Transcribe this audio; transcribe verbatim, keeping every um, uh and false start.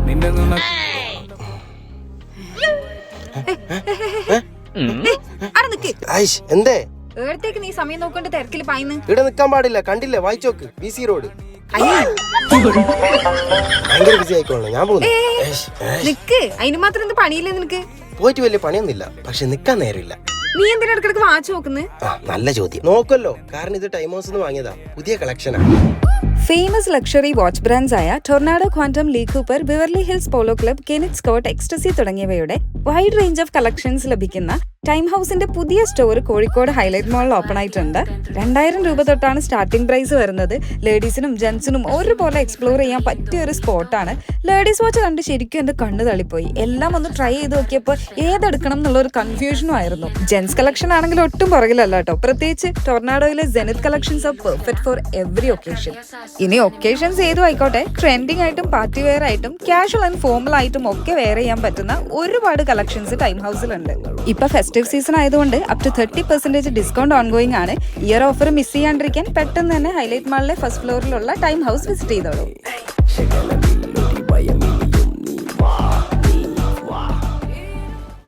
നിന്നെ എന്തേ ഏടത്തേക്ക് നീ സമയം നോക്കൊണ്ട് തിരക്കില് പായിന്ന് ഇവിടെ നിക്കാൻ പാടില്ല. കണ്ടില്ലേ, വായിച്ചോക്ക് ബി സി റോഡ്. ഭയങ്കര ബിസി ആയിക്കോളണം, ഞാൻ പോകുന്നു. നിക്ക്, അതിന് മാത്രം എന്ത് പണിയില്ലേ നിനക്ക്? പോയിട്ട് വലിയ പണിയൊന്നുമില്ല, പക്ഷെ നിക്കാൻ നേരമില്ല. നീ എന്തിനാ ഇടക്കിടക്ക് വാച്ച് നോക്കുന്നത്? ആ നല്ല ചോദ്യം. നോക്കല്ലോ, കാരണം ഇത് ടൈം ഹൗസ് വാങ്ങിയതാ, പുതിയ കളക്ഷനാ. ഫേമസ് ലക്ഷറി വാച്ച് ബ്രാൻഡ്സ് ആയ Tornado, Quantum, Lee Cooper, Beverly Hills Polo Club, Kenneth Scott, Ecstasy തുടങ്ങിയവയുടെ വൈഡ് റേഞ്ച് ഓഫ് കളക്ഷൻസ് ലഭിക്കുന്ന ടൈം ഹൗസിന്റെ പുതിയ സ്റ്റോർ കോഴിക്കോട് ഹൈലൈറ്റ് മാളിൽ ഓപ്പൺ ആയിട്ടുണ്ട്. രണ്ടായിരം രൂപ തൊട്ടാണ് സ്റ്റാർട്ടിംഗ് പ്രൈസ് വരുന്നത്. ലേഡീസിനും ജെന്റ്സിനും ഒരുപോലെ എക്സ്പ്ലോർ ചെയ്യാൻ പറ്റിയ ഒരു സ്പോട്ടാണ്. ലേഡീസ് വാച്ച് കണ്ട് ശരിക്കും എന്റെ കണ്ണ് തള്ളിപ്പോയി. എല്ലാം ഒന്ന് ട്രൈ ചെയ്ത് നോക്കിയപ്പോൾ ഏതെടുക്കണം എന്നുള്ള ഒരു കൺഫ്യൂഷനും ആയിരുന്നു. ജെന്റ്സ് കളക്ഷൻ ആണെങ്കിൽ ഒട്ടും പുറകിലല്ല കേട്ടോ. പ്രത്യേകിച്ച് ടൊർണാഡോയിലെ Zenith collections are perfect for every occasion. ഇനി ഒക്കേഷൻസ് ഏതും ആയിക്കോട്ടെ, ട്രെൻഡിങ് ആയിട്ടും പാർട്ടി വെയർ ആയിട്ടും കാഷ്വൽ ആൻഡ് ഫോമൽ ആയിട്ടും ഒക്കെ വെയർ ചെയ്യാൻ പറ്റുന്ന ഒരുപാട് കളക്ഷൻസ് ടൈം ഹൗസിലുണ്ട്. ഇപ്പൊ ഫെസ്റ്റീവ് സീസൺ ആയതുകൊണ്ട് up to thirty percentage discount ongoing ആണ്. ഇയർ ഓഫർ മിസ് ചെയ്യാണ്ടിരിക്കാൻ പെട്ടെന്ന് തന്നെ ഹൈലൈറ്റ് മാളിലെ ഫസ്റ്റ് ഫ്ലോറിലുള്ള ടൈം ഹൗസ് വിസിറ്റ് ചെയ്തോളൂ.